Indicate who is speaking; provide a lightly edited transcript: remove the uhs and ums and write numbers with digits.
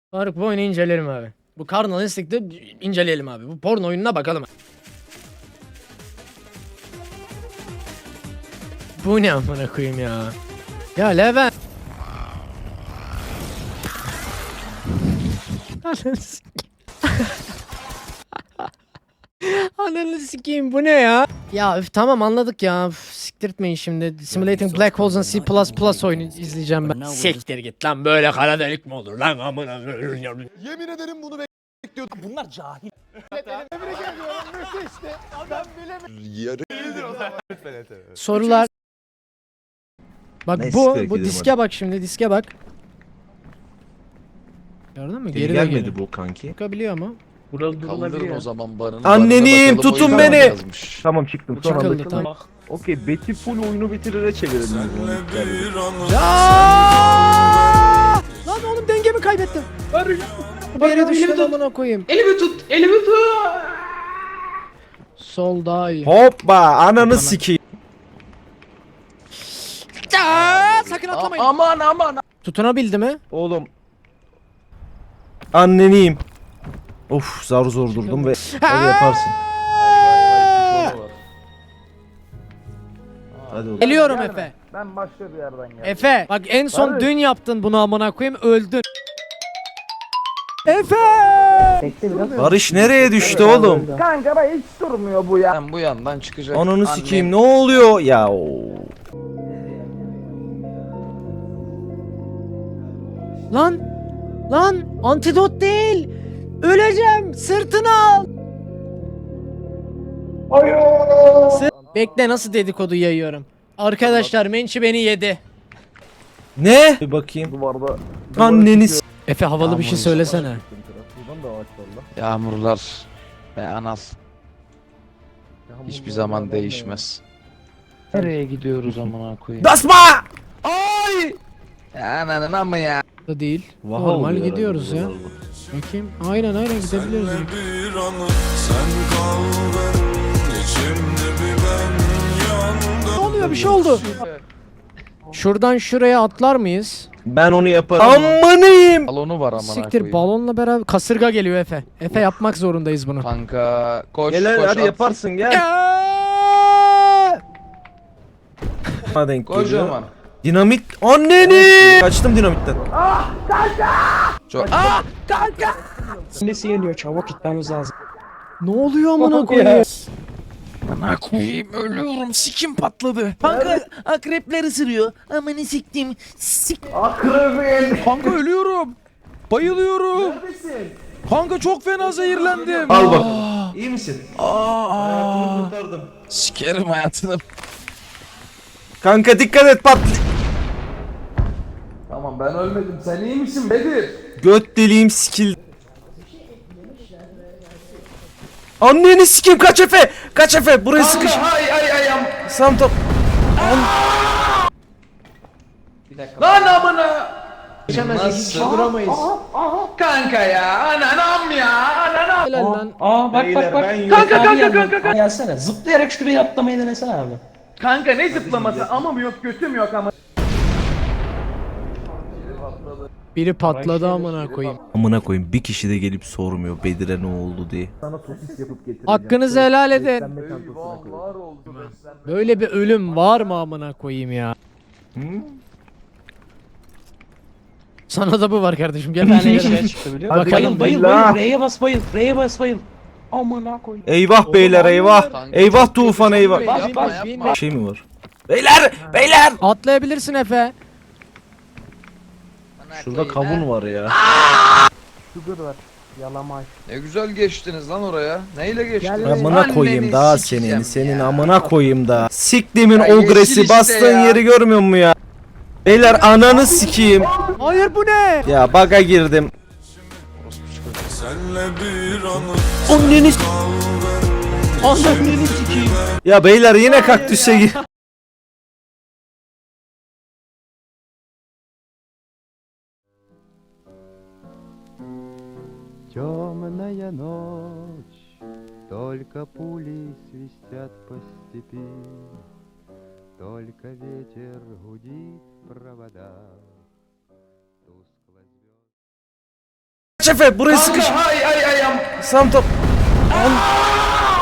Speaker 1: Faruk bu oyunu inceleyelim abi. Bu Carnival Instinct'ı inceleyelim abi. Bu porno oyununa bakalım. Bu ne amına koyayım ya. Ya Levent. Ananı sikeyim. Ananı sikeyim bu ne ya? Ya üf, tamam anladık ya. Üf, siktirtmeyin şimdi. Simulating Black Holes and C++ oyunu izleyeceğim ben. Siktir git lan, böyle kara delik mi olur lan amına.
Speaker 2: Yemin ederim bunu bekliyordum.
Speaker 3: Bunlar cahil.
Speaker 2: Yarı
Speaker 1: Sorular. Bak
Speaker 4: Neyse,
Speaker 1: bu
Speaker 4: gidelim
Speaker 1: diske bak şimdi, diske bak. Gördün mü?
Speaker 4: Geri
Speaker 1: Geri de
Speaker 4: gelmedi
Speaker 1: geliyor.
Speaker 4: bu kanki.
Speaker 1: Çıkabiliyor mu?
Speaker 2: kaldırın o zaman barını.
Speaker 4: Anneniyim,
Speaker 2: Barına bakalım,
Speaker 4: tutun
Speaker 2: o yüzden
Speaker 4: beni.
Speaker 2: yazmış.
Speaker 4: Tamam çıktım. Son anda
Speaker 1: Çıkıldı
Speaker 4: çıktım.
Speaker 1: tamam.
Speaker 4: Okey, Betty full oyunu bitirire çevirelim.
Speaker 1: Ya! Lan oğlum dengemi kaybettim. Bir yere düştüm amına koyayım.
Speaker 3: Elimi tut, elimi tut.
Speaker 1: Sol daha iyi.
Speaker 4: Hoppa, ananı sikeyim.
Speaker 1: Sakın atlamayın.
Speaker 3: Aman.
Speaker 1: Tutunabildi mi?
Speaker 4: Oğlum. Anneniyim. Of, zar zor durdum ve hadi yaparsın. Hadi oğlum.
Speaker 1: Geliyorum Efe.
Speaker 3: Ben başka bir yerden geldim.
Speaker 1: Efe bak en son
Speaker 3: Barış.
Speaker 1: dün yaptın bunu amına koyayım, öldün. Efe!
Speaker 4: Barış nereye düştü oğlum?
Speaker 3: Kanka bak hiç durmuyor bu ya. Ben bu yandan çıkacak.
Speaker 4: Ananı sikeyim, ne oluyor ya?
Speaker 1: Lan antidot değil. Öleceğim. Sırtını al. Bekle, nasıl dedikodu yayıyorum. Arkadaşlar Mençi beni yedi.
Speaker 4: Ne? Bir bakayım.
Speaker 3: Duvarda.
Speaker 4: Anneni s-
Speaker 1: Efe havalı bir şey söylesene.
Speaker 2: Yağmurlar ve anas hiçbir zaman değişmez. Nereye gidiyoruz amına koyayım?
Speaker 4: Basma!
Speaker 2: Ya ananın amma ya.
Speaker 1: Da değil.
Speaker 4: Vaha
Speaker 1: Normal
Speaker 4: oluyor
Speaker 1: gidiyoruz
Speaker 4: herhalde
Speaker 1: ya.
Speaker 4: buralarda.
Speaker 1: Bakayım. Aynen gidebiliyoruz. ya.
Speaker 5: Bir anı sen kaldın içimde bir ben yandım.
Speaker 1: Ne oluyor? Bir şey oldu. Şuradan şuraya atlar mıyız?
Speaker 4: Ben onu yaparım. Ammanıyım.
Speaker 2: Balonu var amına
Speaker 1: Siktir,
Speaker 2: koyayım.
Speaker 1: balonla beraber kasırga geliyor Efe. Efe yapmak zorundayız bunu.
Speaker 2: Kanka koş
Speaker 4: Gel
Speaker 2: koş
Speaker 4: hadi
Speaker 2: at.
Speaker 4: yaparsın gel. Bana denk geliyor.
Speaker 2: Kocaman.
Speaker 4: Dinamit anneni. Kaçtım dinamitten.
Speaker 2: Çok...
Speaker 3: Annesi geliyor, çabuk gitmemiz lazım.
Speaker 1: Ne oluyor amına koyayım?
Speaker 2: Amına koyayım ölüyorum sikim patladı.
Speaker 6: Kanka akrepler ısırıyor. Amanı siktim.
Speaker 3: Akrebin.
Speaker 2: Kanka ölüyorum. Bayılıyorum. Kanka çok fena zehirlendim.
Speaker 4: Al bak. İyi misin? Hayatını kurtardım.
Speaker 2: Sikerim hayatını.
Speaker 4: Kanka dikkat et, pat.
Speaker 3: Tamam ben ölmedim. Sen iyi misin Bedir?
Speaker 4: Göt deliğim sikil. Anneni sikeyim, kaç Efe. Kaç Efe, buraya sıkış.
Speaker 3: Ay.
Speaker 4: Sam top.
Speaker 3: Lan amına.
Speaker 2: Nasıl?
Speaker 1: Duramayız.
Speaker 3: Kanka ya. Ananam ya. Ananam.
Speaker 1: Helal lan.
Speaker 3: Bak.
Speaker 4: ben yok.
Speaker 3: Kanka. Gelsene. Zıplayarak şuraya atlamayı denesene abi. Kanka ne zıplaması? Amım yok, götüm yok ama.
Speaker 1: Biri patladı amına koyayım.
Speaker 4: Amına koyayım, bir kişi de gelip sormuyor Bedir'e ne oldu diye.
Speaker 1: Hakkınızı helal edin.
Speaker 3: Eyvahlar oldu beslenme.
Speaker 1: Böyle bir ölüm var mı amına koyayım ya? Sana da bu var kardeşim. Gel ben Bakalım.
Speaker 3: Bayıl. R'ye bas bayıl. Amına koy.
Speaker 4: Eyvah beyler, eyvah.
Speaker 2: Kanka,
Speaker 4: Eyvah
Speaker 2: çok
Speaker 4: Tufan,
Speaker 2: kötü.
Speaker 4: eyvah.
Speaker 2: Yapma
Speaker 3: Bas,
Speaker 2: yapma.
Speaker 4: Şey mi var? Beyler.
Speaker 1: Atlayabilirsin Efe.
Speaker 4: Şurada kavun var ya.
Speaker 2: Ne güzel geçtiniz lan oraya. Neyle geçtiniz?
Speaker 1: Gel.
Speaker 4: Amına koyayım daha
Speaker 2: sikeceğim
Speaker 4: senin
Speaker 2: ya.
Speaker 4: amına koyayım da. Siktimin
Speaker 2: Ya yeşil
Speaker 4: ogresi,
Speaker 2: işte
Speaker 4: bastığın
Speaker 2: ya.
Speaker 4: yeri görmüyor mu ya? Beyler ananı sikeyim.
Speaker 1: Hayır bu ne?
Speaker 4: Ya baga girdim.
Speaker 5: Senle bir anı
Speaker 4: Anneni s-
Speaker 1: Ananı sikeyim.
Speaker 4: Ya beyler yine kaktüse gir.
Speaker 7: Темная ночь, только пули свистят по степи, только ветер гудит в проводах.
Speaker 4: Kaç Efe buraya sıkış.
Speaker 3: Kanka hay hay hay.
Speaker 4: Sam top.